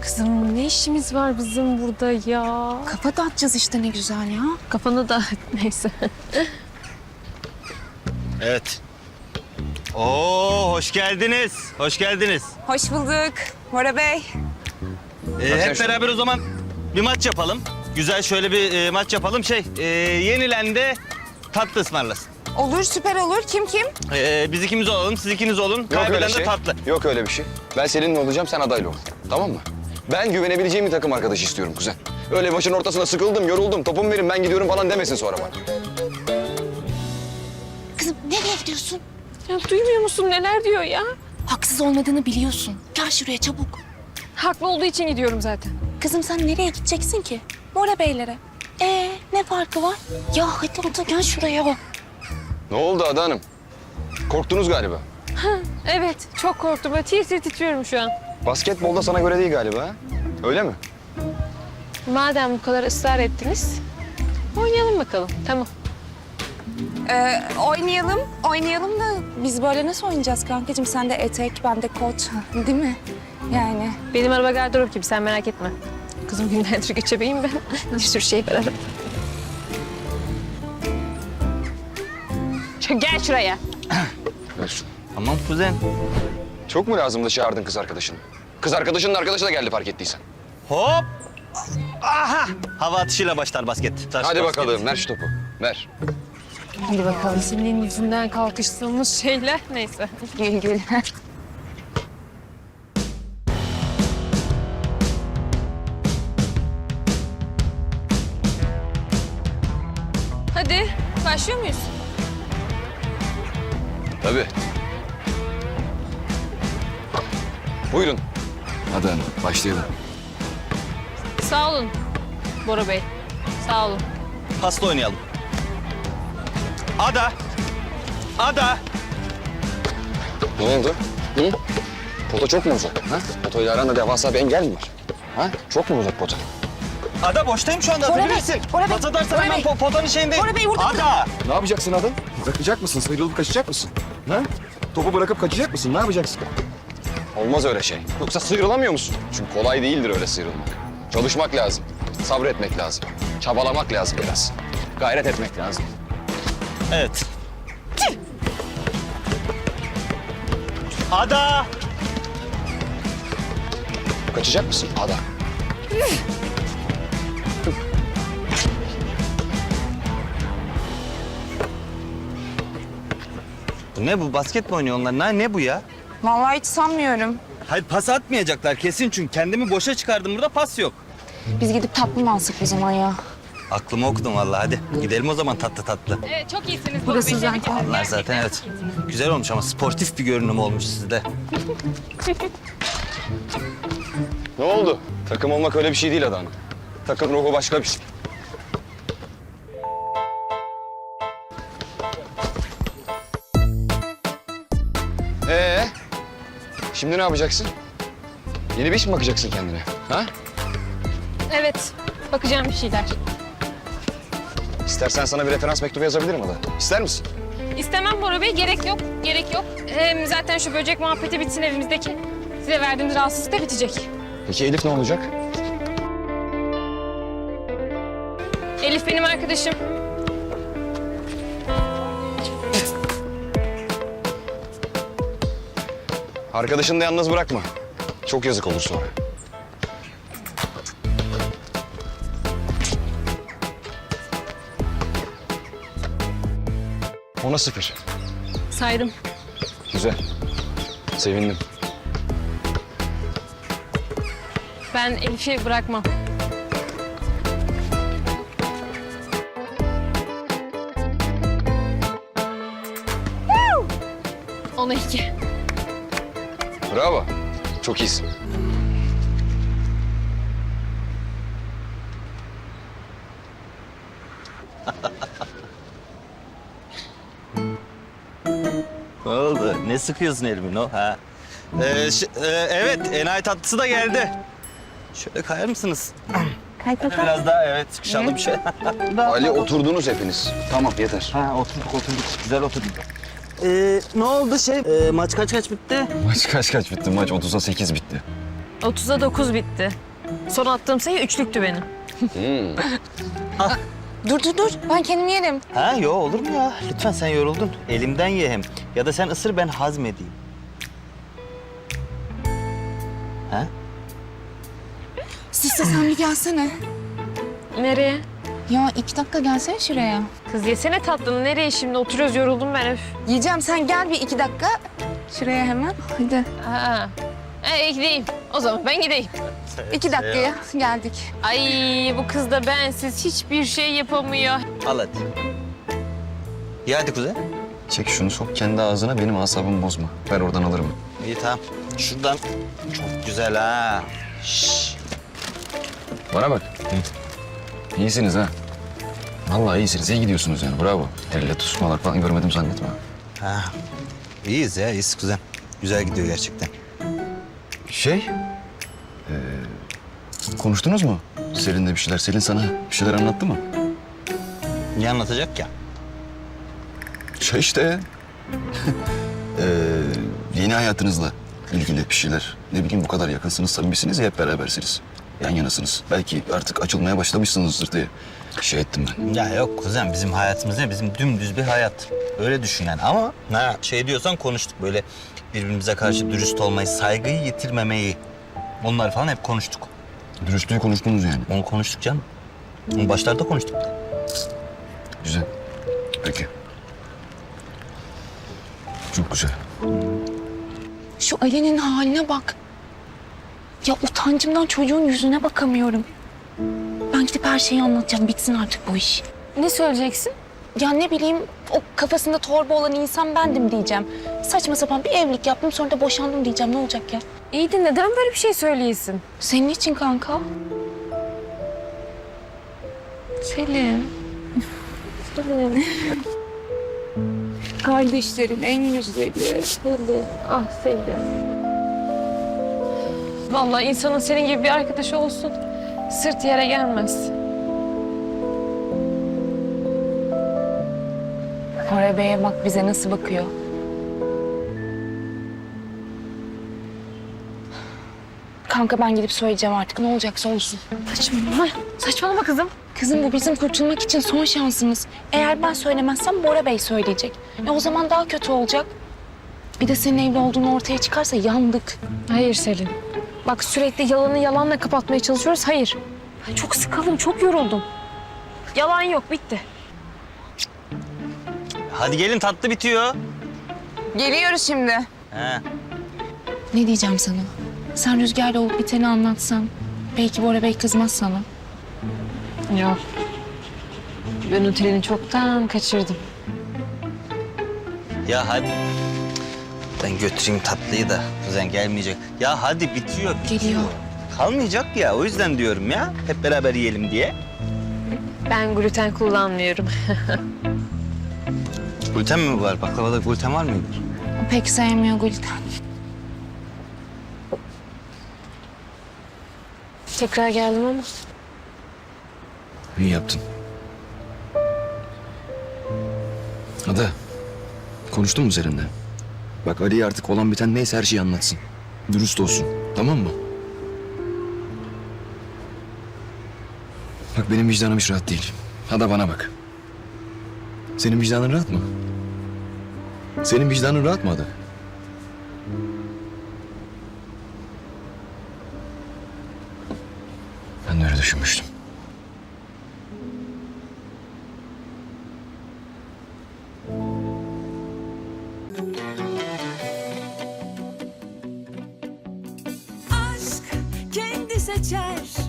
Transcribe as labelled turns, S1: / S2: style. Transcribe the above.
S1: Kızım ne işimiz var bizim burada ya?
S2: Kafa dağıtacağız işte ne güzel ya.
S1: Kafanı da neyse.
S3: Evet. Oo, hoş geldiniz. Hoş geldiniz.
S2: Hoş bulduk Bora Bey.
S3: Hep beraber o zaman bir maç yapalım. Güzel şöyle bir maç yapalım. Yenilen de tatlı ısmarlasın.
S2: Olur, süper olur. Kim?
S3: Biz ikimiz olalım, siz ikiniz olun.
S4: Yok öyle
S3: Kaybeden de
S4: şey.
S3: tatlı.
S4: Yok öyle bir şey. Ben seninle olacağım, sen adayla ol. Tamam mı? Ben güvenebileceğim bir takım arkadaş istiyorum kuzen. Öyle başın ortasında sıkıldım, yoruldum, topumu verin ben gidiyorum falan demesin sonra bana.
S2: Kızım nereye gidiyorsun?
S1: Ya duymuyor musun neler diyor ya?
S2: Haksız olmadığını biliyorsun. Gel şuraya çabuk.
S1: Haklı olduğu için gidiyorum zaten.
S2: Kızım sen nereye gideceksin ki? Bora Beylere. Ne farkı var? Ya hadi otur gel şuraya.
S4: Ne oldu Ada Hanım? Korktunuz galiba.
S1: Evet çok korktum. Böyle tir tir titriyorum şu an.
S4: Basketbolda sana göre değil galiba ha? Öyle mi?
S1: Madem bu kadar ısrar ettiniz, oynayalım bakalım. Tamam.
S2: Oynayalım da biz böyle nasıl oynayacağız kankacığım? Sen de etek, ben de kot değil mi? Yani.
S1: Benim araba gardırop gibi sen merak etme. Kızım günlerdir göçebeyim ben. Bir sürü şey var arada. Gel şuraya.
S4: Ver şunu.
S3: Tamam kuzen.
S4: Çok mu lazımdı çağırdın kız arkadaşını? Kız arkadaşının arkadaşı da geldi fark ettiysen.
S3: Hop. Aha. Hava atışıyla başlar basket.
S4: Hadi bakalım, ver şu topu. Ver.
S1: Hadi bakalım. Senin yüzünden kalkıştığımız şeyler neyse.
S2: Gül gül.
S1: Hadi başlıyor muyuz?
S4: Tabii. Buyurun. Ada Hanım, başlayalım.
S1: Sağ olun Bora Bey. Sağ olun.
S3: Pasla oynayalım. Ada. Ada.
S4: Ne oldu? Hı? Pota çok mu uzak? Ha? Potoyla aranda devasa bir engel mi var? Ha? Çok mu uzak pota?
S3: Ada boştayım şu anda.
S2: Bora Bey,
S3: Atabilirsin.
S2: Bora Bey,
S3: Pas atarsan
S2: Bora
S3: hemen
S2: Bey.
S3: potanın şeyindeyim.
S2: Bora Bey, burada,
S3: Ada.
S4: Ne yapacaksın adam? Bırakacak mısın? Sıyrılıp kaçacak mısın? Ha? Topu bırakıp kaçacak mısın? Ne yapacaksın? Olmaz öyle şey. Yoksa sıyrılamıyor musun? Çünkü kolay değildir öyle sıyrılmak. Çalışmak lazım. Sabretmek lazım. Çabalamak lazım biraz. Gayret etmek lazım.
S3: Evet. Ada.
S4: Kaçacak mısın? Ada.
S3: Ne bu? Basket mi oynuyor onlar? Ne bu ya?
S2: Vallahi hiç sanmıyorum.
S3: Hayır pas atmayacaklar kesin çünkü kendimi boşa çıkardım burada pas yok.
S2: Biz gidip tatlı mı alsak o zaman ya?
S3: Aklımı okudum vallahi hadi. Gidelim o zaman tatlı tatlı.
S1: Evet çok iyisiniz.
S2: Burası zaten.
S3: Onlar zaten evet. Güzel olmuş ama sportif bir görünüm olmuş sizde.
S4: Ne oldu? Takım olmak öyle bir şey değil Ada Hanım. Takım ruhu başka bir şey. Şimdi ne yapacaksın? Yeni bir iş mi bakacaksın kendine? Ha?
S1: Evet bakacağım bir şeyler.
S4: İstersen sana bir referans mektubu yazabilirim Ada. İster misin?
S1: İstemem Bora Bey. Gerek yok. Gerek yok. Hem zaten şu böcek muhabbeti bitsin evimizdeki. Size verdiğimiz rahatsızlık da bitecek.
S4: Peki Elif ne olacak?
S1: Elif benim arkadaşım.
S4: Arkadaşını da yalnız bırakma. Çok yazık olur sonra. Ona 0.
S1: Saydım.
S4: Güzel. Sevindim.
S1: Ben Elif'i bırakmam. Ona 2.
S4: Bravo. Çok iyisin.
S3: Ne oldu? Ne sıkıyorsun elimin o ha? Evet enayi tatlısı da geldi. Şöyle kayar mısınız? Biraz daha evet sıkışalım şöyle.
S4: Ali oturdunuz hepiniz. Tamam yeter.
S3: Ha oturduk. Güzel oturduk. Ne oldu maç kaç bitti?
S4: Maç kaç bitti? Maç 30'a 8 bitti.
S1: 30'a 9 bitti. Son attığım sayı üçlüktü benim.
S2: Dur. Ben kendim yerim.
S3: Ha yo olur mu ya? Lütfen sen yoruldun. Elimden ye hem. Ya da sen ısır ben hazmedeyim. Ha?
S2: Siste sen bir gelsene.
S1: Nereye?
S2: Ya 2 dakika gelsene şuraya.
S1: Kız yesene tatlını. Nereye şimdi? Oturuyoruz, yoruldum ben öf.
S2: Yiyeceğim, sen gel bir 2 dakika. Şuraya hemen. Hadi.
S1: Ha. Gideyim. O zaman ben gideyim.
S2: 2 dakikaya geldik.
S1: Ay bu kız da bensiz hiçbir şey yapamıyor.
S3: Al hadi. İyi hadi kuzen.
S4: Çek şunu sok kendi ağzına, benim asabımı bozma. Ver oradan alırım.
S3: İyi tamam. Şuradan çok güzel ha. Şşş.
S4: Bana bak. İyisiniz ha. Vallahi iyisiniz. İyi gidiyorsunuz yani. Bravo. Elle tutuşmalar falan görmedim zannetme.
S3: Ha. İyiyiz ya, iyiyiz kuzen. Güzel gidiyor gerçekten.
S4: Konuştunuz mu? Selin'le bir şeyler. Selin sana bir şeyler anlattı mı?
S3: Ne anlatacak ya?
S4: İşte. Yeni hayatınızla ilgili bir şeyler. Ne bileyim bu kadar yakınsınız, samimisiniz ya, hep berabersiniz. Yan yanasınız. Belki artık açılmaya başlamışsınızdır diye şey ettim ben.
S3: Ya yok kuzen, bizim hayatımız ne? Bizim dümdüz bir hayat. Öyle düşün yani. Ama ha, şey diyorsan konuştuk. Böyle birbirimize karşı dürüst olmayı, saygıyı yitirmemeyi. Onlar falan hep konuştuk.
S4: Dürüstlüğü konuştunuz yani.
S3: Onu konuştuk canım. Onu başlarda konuştuk.
S4: Güzel. Peki. Çok güzel.
S2: Şu Ali'nin haline bak. Ya utancımdan çocuğun yüzüne bakamıyorum. Ben gidip her şeyi anlatacağım. Bitsin artık bu iş.
S1: Ne söyleyeceksin?
S2: Ya ne bileyim, o kafasında torba olan insan bendim diyeceğim. Saçma sapan bir evlilik yaptım, sonra da boşandım diyeceğim. Ne olacak ya?
S1: İyi de neden böyle bir şey söyleyesin?
S2: Senin için kanka.
S1: Selin.
S2: Kardeşlerin en güzeli.
S1: Ah Selin. Vallahi insanın senin gibi bir arkadaşı olsun. Sırt yere gelmez.
S2: Koray Bey'e bak bize nasıl bakıyor. Kanka ben gidip söyleyeceğim artık. Ne olacaksa olsun.
S1: Saçmalama. Saçmalama kızım.
S2: Kızım bu bizim kurtulmak için son şansımız. Eğer ben söylemezsem Bora Bey söyleyecek. O zaman daha kötü olacak. Bir de senin evli olduğunu ortaya çıkarsa yandık.
S1: Hayır Selin. Bak sürekli yalanı yalanla kapatmaya çalışıyoruz. Hayır. Ben çok sıkıldım, çok yoruldum. Yalan yok, bitti.
S3: Hadi gelin, tatlı bitiyor.
S2: Geliyoruz şimdi.
S3: He.
S2: Ne diyeceğim sana? Sen Rüzgar'la olup biteni anlatsan. Belki Bora Bey kızmaz sana.
S1: Yok. Ben o treni çoktan kaçırdım.
S3: Ya hadi. Ben götüreyim tatlıyı da kuzen gelmeyecek. Ya hadi bitiyor.
S2: Geliyor.
S3: Kalmayacak ya, o yüzden diyorum ya. Hep beraber yiyelim diye.
S1: Ben gluten kullanmıyorum.
S3: Gluten mi var? Baklavada gluten var mıydı?
S2: O pek sevmiyor gluten.
S1: Tekrar geldim ama.
S4: İyi yaptın. Ada, konuştun mu Selin'le? Bak Ali'ye artık olan biten neyse her şeyi anlatsın. Dürüst olsun, tamam mı? Bak benim vicdanım hiç rahat değil. Ada bana bak. Senin vicdanın rahat mı? Senin vicdanın rahat mı Ada? Ben de öyle düşünmüştüm.
S5: Aşk kendi seçer